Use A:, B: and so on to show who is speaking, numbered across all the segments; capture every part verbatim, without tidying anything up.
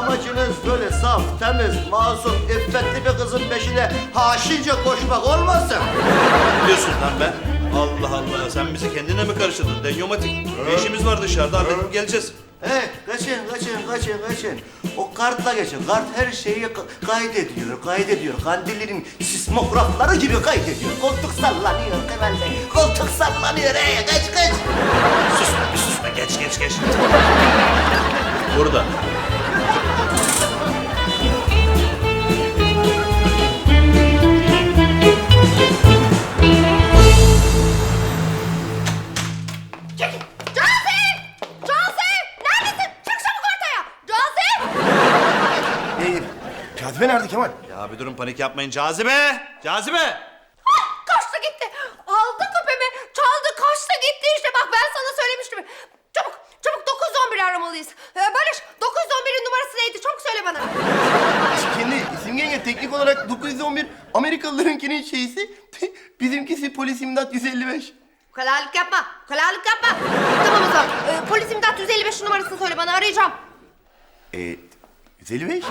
A: amacınız böyle saf, temiz, masum, iffetli bir kızın peşine haşince koşmak olmasın?
B: Ne diyorsun lan be? Allah Allah, sen bizi kendine mi karıştırdın? Denyomatik. Bir işimiz var dışarıda, halledip geleceğiz.
A: He, kaçın, kaçın, kaçın, kaçın. O kartla geçin. Kart her şeyi ka- kaydediyor, kaydediyor. Kandillerin sismografları gibi kaydediyor. Koltuk sallanıyor Kemal Bey. Koltuk sallanıyor. He, kaç, kaç.
B: Sus, bir sus be, geç, geç, geç. Burada.
C: Cazibe nerede Kemal?
B: Ya bir durun, panik yapmayın. Cazibe! Cazibe!
D: Kaçtı gitti. Aldı küpemi. Çaldı kaçtı gitti işte. Bak ben sana söylemiştim. Çabuk çabuk dokuz on bir aramalıyız. Ee, Barış dokuz on birin numarası neydi? Çabuk söyle bana.
C: Kendi isim yenge teknik olarak dokuz yüz on bir Amerikalılarınkinin şeysi, bizimkisi polis imdat yüz elli beş.
D: Ukalalık yapma. Ukalalık yapma. Tamam o zaman. Ee, polis imdat yüz elli beş numarasını söyle bana, arayacağım.
C: Ee, yüz elli beş?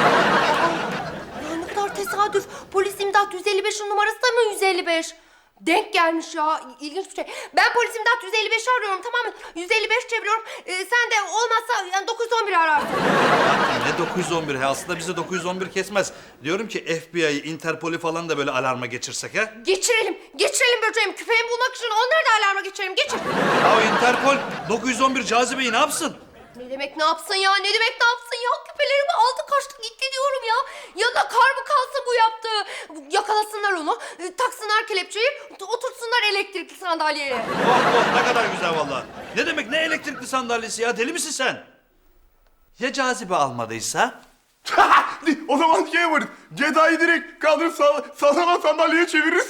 D: Ya ne kadar tesadüf. Polis imdat yüz elli beşin numarası da mı yüz elli beş? Denk gelmiş ya. İlginç bir şey. Ben polis imdat yüz elli beşi arıyorum, tamam mı? yüz elli beş çeviriyorum. Ee, sen de olmazsa yani dokuz on bir ararsın.
B: Ne dokuz yüz on bir? He, aslında bizi dokuz yüz on bir kesmez. Diyorum ki F B I'yi, Interpol'i falan da böyle alarma geçirsek ha?
D: Geçirelim. Geçirelim böceğim. Küpemi bulmak için onları da alarma geçirelim. Geçir.
B: Ya Interpol dokuz yüz on bir Cazibe'yi ne yapsın?
D: Ne demek ne yapsın ya? Ne demek ne yapsın ya? Küpelerimi aldı kaçtı gitti diyorum ya. Ya da kar mı kalsa bu yaptı? Yakalasınlar onu, e, taksınlar kelepçeyi, oturtsunlar elektrikli sandalyeye.
B: Oh oh, ne kadar güzel vallahi. Ne demek ne elektrikli sandalyesi ya? Deli misin sen? Ya Cazibe almadıysa?
C: O zaman şey yaparız. Cezayı direkt kaldırıp sağ, sağlanan sandalyeye çeviririz.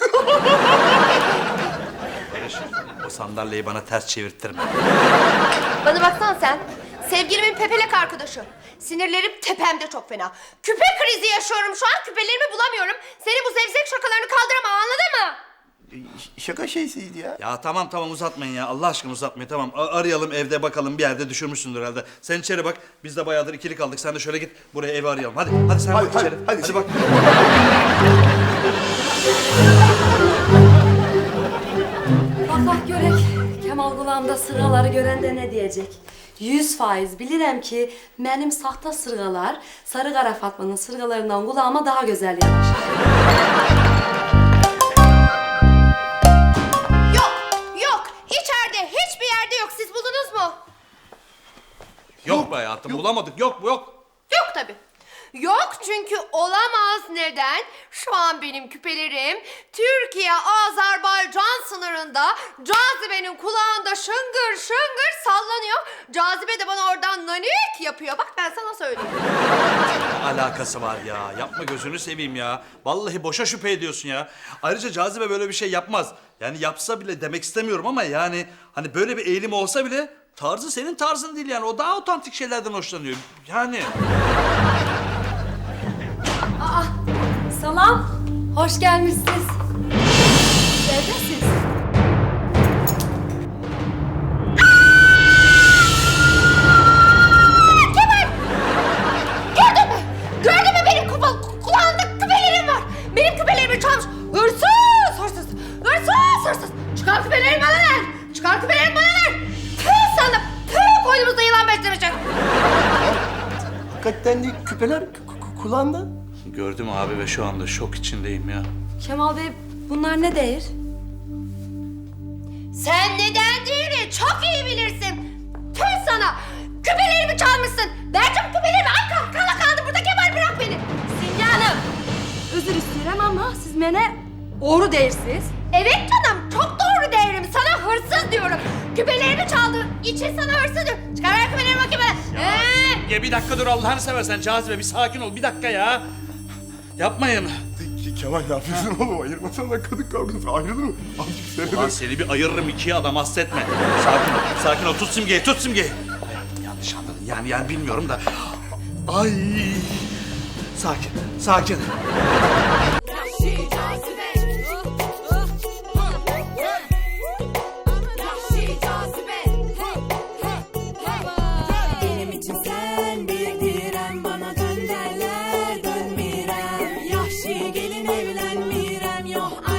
B: Barış, o sandalyeyi bana ters çevirttirme.
D: Bana baksana sen. Sevgilimin pepelek arkadaşı. Sinirlerim tepemde çok fena. Küpe krizi yaşıyorum şu an. Küpelerimi bulamıyorum. Senin bu zevzek şakalarını kaldıramam, anladın mı?
C: Şaka şeysiydi ya.
B: Ya tamam tamam uzatmayın ya. Allah aşkına uzatmayın, tamam. A- arayalım evde, bakalım bir yerde düşürmüşsündür herhalde. Sen içeri bak. Biz de bayağıdır ikili kaldık. Sen de şöyle git buraya, evi arayalım. Hadi hadi sen
C: Hadi,
B: bak
C: hadi,
B: içeri.
C: hadi.
B: hadi bak.
E: Bak bak görek. Kemal kulağımda sırgaları görende ne diyecek? Yüz faiz bilirim ki benim sahte sırgalar Sarı Kara Fatma'nın sırgalarından kulağıma daha güzel yanaşır.
D: Yok, yok. İçeride hiçbir yerde yok. Siz buldunuz mu?
B: Yok be hayatım, bulamadık. Yok bu yok.
D: Yok tabii. Yok çünkü olamaz. Neden? Şu an benim küpelerim Türkiye-Azerbaycan sınırında Cazibe'nin kulağında şıngır şıngır sallanıyor. Cazibe de bana oradan nanik yapıyor. Bak ben sana söyleyeyim.
B: Ne alakası var ya? Yapma, gözünü seveyim ya. Vallahi boşa şüphe ediyorsun ya. Ayrıca Cazibe böyle bir şey yapmaz. Yani yapsa bile demek istemiyorum ama yani hani böyle bir eğilim olsa bile tarzı senin tarzın değil yani. O daha otantik şeylerden hoşlanıyor. Yani.
E: Aa, salam. Hoş gelmişsiniz. Neredesiniz?
D: Kemal! Gördün mü? Gördün mü benim kupa, kulağımda küpelerim var. Benim küpelerimi çalmış. Hırsız! Hırsız! Hırsız! Hırsız! Çıkar küpelerimi bana ver! Çıkar küpelerimi bana ver! Tüh sana! Tüh koynumuzda yılan beslemeyecek.
C: Hakikaten de küpeler k- k- kulağında.
B: Gördüm abi ve şu anda şok içindeyim ya.
E: Kemal Bey bunlar ne değil?
D: Sen neden değilini çok iyi bilirsin. Tüh sana! Küpelerimi çalmışsın. Vereceğim küpelerimi. Ay kal, kala kaldı burada. Kemal bırak beni.
E: Simge Hanım. Özür isterim ama siz bana doğru değilsiniz.
D: Evet canım, çok doğru değerim. Sana hırsız diyorum. Küpelerimi çaldı. İçin sana hırsız diyorum. Çıkar ver küpelerimi bakayım bana.
B: Ya,
D: Ee?
B: ya bir dakika dur Allah'ını seversen Cazibe, bir sakin ol bir dakika ya. Yapmayın.
C: Ke- Kemal ne yapıyorsun oğlum? Ayırmasana kadın kavgası ayrılır mı? Azıcık
B: Ulan
C: seyrede.
B: seni bir ayırırım ikiye, adam hasretme. Sakin ol, sakin ol. Tut Simge'yi, tut Simge'yi. Hayatım yanlış anladın. Yani yani bilmiyorum da. Ay. Sakin, sakin.
F: Benim için sen bir direm bana Gelin evlenmirem yok